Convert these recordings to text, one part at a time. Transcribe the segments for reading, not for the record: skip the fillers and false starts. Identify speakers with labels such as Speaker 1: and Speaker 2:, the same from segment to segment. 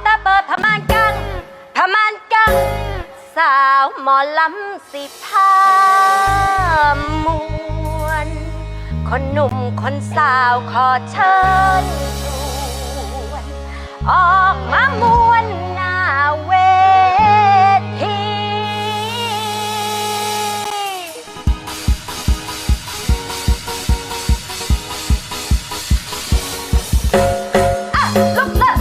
Speaker 1: ตาเปิดผ้าม่านกังสาวหมอลำสิพามวนคนหนุ่มคนสาวขอเชิญชวนออกมามวนหน้าเวทีลุกเลิก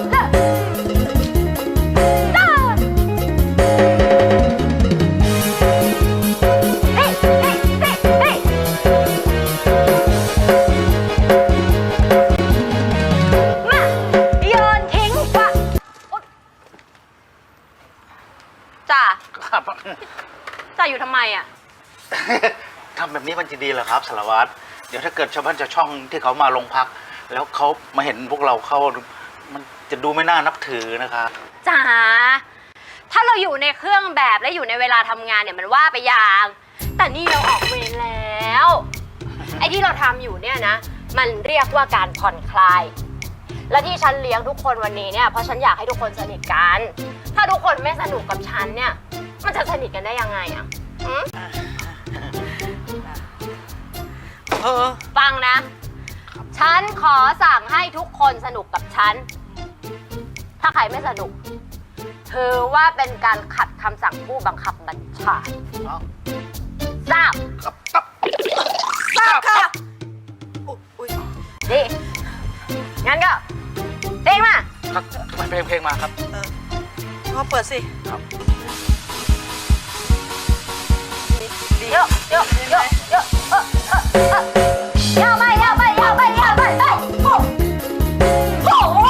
Speaker 1: จ่าอยู่ทำไมอ่ะ
Speaker 2: ทำแบบนี้มันจะดีเหรอครับสารวัตรเดี๋ยวถ้าเกิดชาวบ้านชาวช่องที่เขามาลงพัก แล้วเขามาเห็นพวกเราเข้ามันจะดูไม่น่านับถือนะครับ
Speaker 1: จ๋าถ้าเราอยู่ในเครื่องแบบและอยู่ในเวลาทำงานเนี่ยมันว่าไปอย่างแต่นี่เราออกเวรแล้วไอ้ที่เราทำอยู่เนี่ยนะมันเรียกว่าการผ่อนคลายและที่ฉันเลี้ยงทุกคนวันนี้เนี่ยเพราะฉันอยากให้ทุกคนสนิทกันถ้าทุกคนไม่สนุกกับฉันเนี่ยมันจะสนิทกันได้ยังไงอ่ะฟังนะฉันขอสั่งให้ทุกคนสนุกกับฉันถ้าใครไม่สนุกถือว่าเป็นการขัดคำสั่งผู้บังคับบัญชาทราบค่ะดีงั้นก็เพลงมา
Speaker 2: ครับเพลงมาครับ
Speaker 3: พอเปิดสิ
Speaker 2: ครับ
Speaker 1: เยอะยาวไปโอ้โห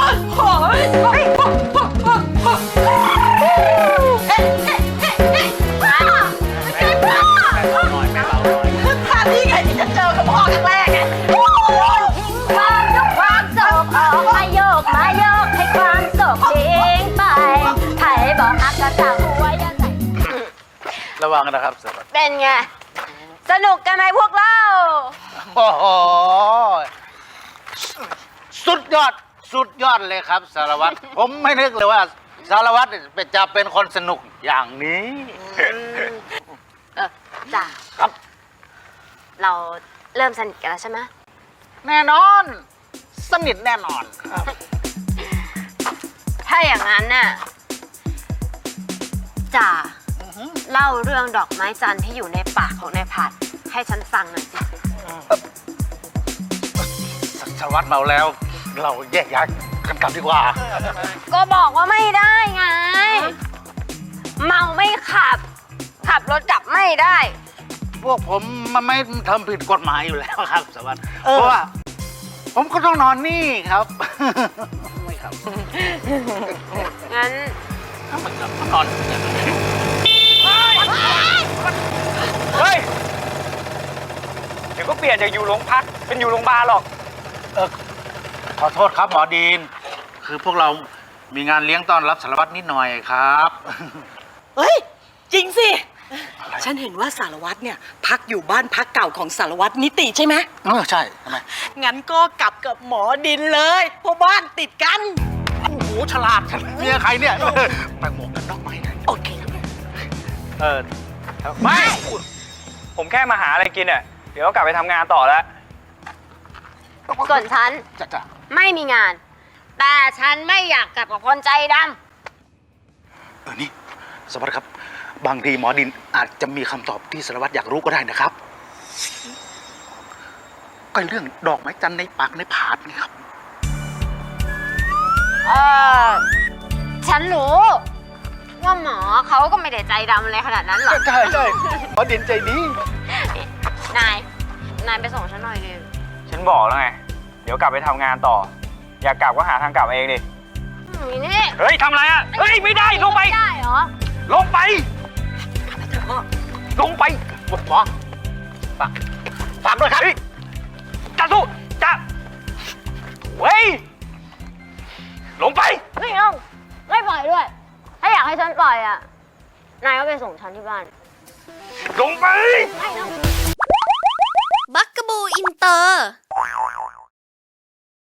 Speaker 3: ท่านี้ไงที่จะเจอกับพ่อครั้งแรกไง
Speaker 1: ทิ้งความทุกความโศกออกมาโยกให้ความโศกทิ้งไปใครบอกฮักก็จะหัวอย่าใส่
Speaker 2: ระวังนะครับสารวัตร
Speaker 1: เป็นไงสนุกกันไหมพวกเรา
Speaker 2: โอ้โหสุดยอดเลยครับสารวัตรผมไม่นึกเลยว่าสารวัตรจะเป็นคนสนุกอย่างนี้
Speaker 1: จ้ะ
Speaker 2: ครับ
Speaker 1: เราเริ่มสนิทกันแล้วใช่ไหม
Speaker 2: แน่นอนสนิทแน่นอน
Speaker 1: ถ้าอย่างนั้นน่ะจ่าเล่าเรื่องดอกไม้จันทร์ที่อยู่ในปากของนายผัดให้ฉันฟังหน่อยสิ
Speaker 2: สารวัตรเมาแล้วเราแยกย้ายกันกลับดีกว่า
Speaker 1: ก็บอกว่าไม่ได้ไงเมาไม่ขับรถกลับไม่ได้
Speaker 2: พวกผมมันไม่ทำผิดกฎหมายอยู่แล้วครับสารวัตรเพราะว่าผมก็ต้องนอนนี่ครับไม่ครับ
Speaker 1: งั้น
Speaker 2: ไม่ครับนอน
Speaker 4: เฮ้ยเดี๋ยวก็เปลี่ยนจากอยู่โรงพักเป็นอยู่โรงพยาบาลหรอก
Speaker 2: ขอโทษครับหมอดีนคือพวกเรามีงานเลี้ยงต้อนรับสารวัตรนิดหน่อยครับ
Speaker 3: เฮ้ยจริงสิฉันเห็นว่าสารวัตรเนี่ยพักอยู่บ้านพักเก่าของสารวัตรนิติใช่ไหม
Speaker 2: ใช่ทำไม
Speaker 3: งั้นก็กลับกับหมอดินเลยเพราะบ้านติดกัน
Speaker 2: โอ้โหฉลาดเมียใครเนี่ยไปหมวกกันน็อกไหม
Speaker 3: โอเค
Speaker 4: ไม่ผมแค่มาหาอะไรกินอ่ะเดี๋ยวก็กลับไปทำงานต่อแล้ว
Speaker 1: ส่วนฉันไม่มีงานแต่ฉันไม่อยากกลับกับคนใจด
Speaker 2: ำนี่สารวัตรครับบางทีหมอดินอาจจะมีคำตอบที่สารวัตรอยากรู้ก็ได้นะครับก็เรื่องดอกไม้จันทร์ในปากในผาดนี่ครับ
Speaker 1: ฉันรู้ว่าหมอเขาก็ไม่ได้ใจดำอะไรขนาดนั้นหรอก
Speaker 2: ใช่หมอดินใจดี
Speaker 1: นายไปส่งฉันหน่อยดิ
Speaker 4: ฉันบอกแล้วไงเดี๋ยวกลับไปทำงานต่ออยากกลับก็หาทางกลับเองดิ
Speaker 1: นี่
Speaker 4: เฮ้ยทำอะไรอ่ะเฮ้ยไม่ได้ลงไป
Speaker 1: ไม่ได้เหรอ
Speaker 4: ลงไป
Speaker 2: หมอฝากด้วยครับ
Speaker 4: จะสู้จะเฮ้ยลงไป
Speaker 1: ไม่เอาไม่ปล่อยด้วยถ้าอยากให้ฉันปล่อยอ่ะนายก็ไปส่งฉันที่บ้าน
Speaker 4: ลงไป
Speaker 1: ไม่เอา
Speaker 5: บักกะบูอินเตอร์